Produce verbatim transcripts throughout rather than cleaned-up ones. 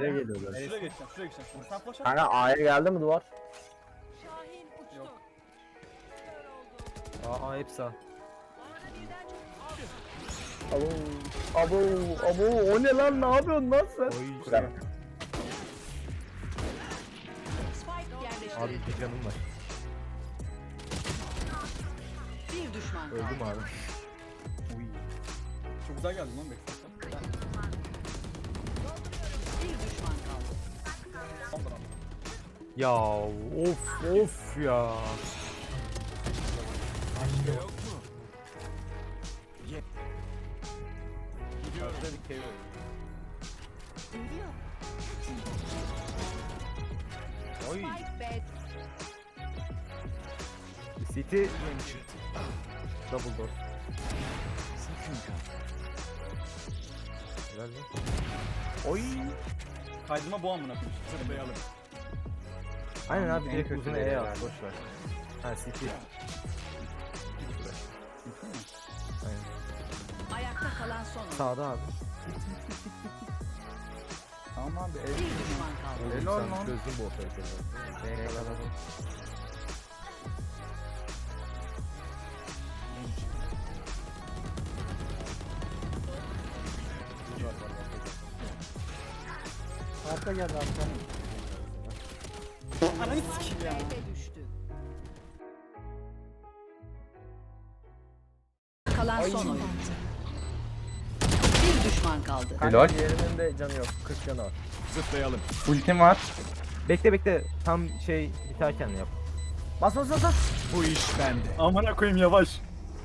B'ye geliyorlar. Şuraya geçeceğim, şuraya geçeceğim. Şimdi sen flash at. Kanka A'ya geldi mi duvar? Şahin uçtu. Yok. Aa, aa hepsi A. Abo, abo, abo, o ne lan, ne yapıyorsun lan sen? Oy. Güzel. Spike yerleştirildi. Abi bir canım var. Bir düşman kaldı. Öldüm abi. Çok güzel geldin lan Backstab'dan. Bir düşman kaldı. Tamamdır abi. Ya of of ya. Şurada bir keyif var. Geliyor. Oy. Spike bed. City. Double door. Helal lan. Oy. Kaydırma bu amına koyayım. Zıplayalım. Aynen abi En direkt kötü uzun yeri E'ye yani. at boş ver. Ha City. Aynen. Ayakta kalan son oyuncu. Sağda abi. Tamam abi. Bir düşman kaldı. Oğlum Helal sen lan. çözdün bu operatörü. B'ye yakaladım. Arka geldi arka. Ananı sikeyim ya. B'de düştü. Kalan son oyuncu. Bir düşman kaldı. Helal. Diğerinin de canı yok. kırk canı var. Zıplayalım. Ultim var. Bekle bekle. Tam şey biterken yap. Bas bas bas bas. Bu iş bende. Amına koyayım yavaş.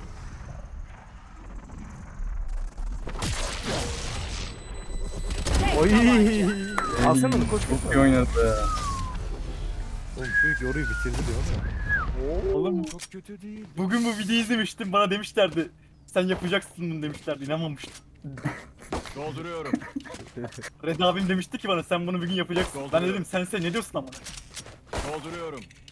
Tek Oy. tabanca. Alsana onu koş koş. İyi oynadı. Oğlum çocuk yoruyu bitirdi diyor mu? Oğlum Çok kötü değil. bugün bu videoyu izlemiştim. Bana demişlerdi. Sen yapacaksın bunu demişlerdi. İnanmamıştım. Dolduruyorum. Red abim demişti ki bana sen bunu bir gün yapacaksın. Ben Dolduruyorum. dedim sen sen ne diyorsun amına? Dolduruyorum.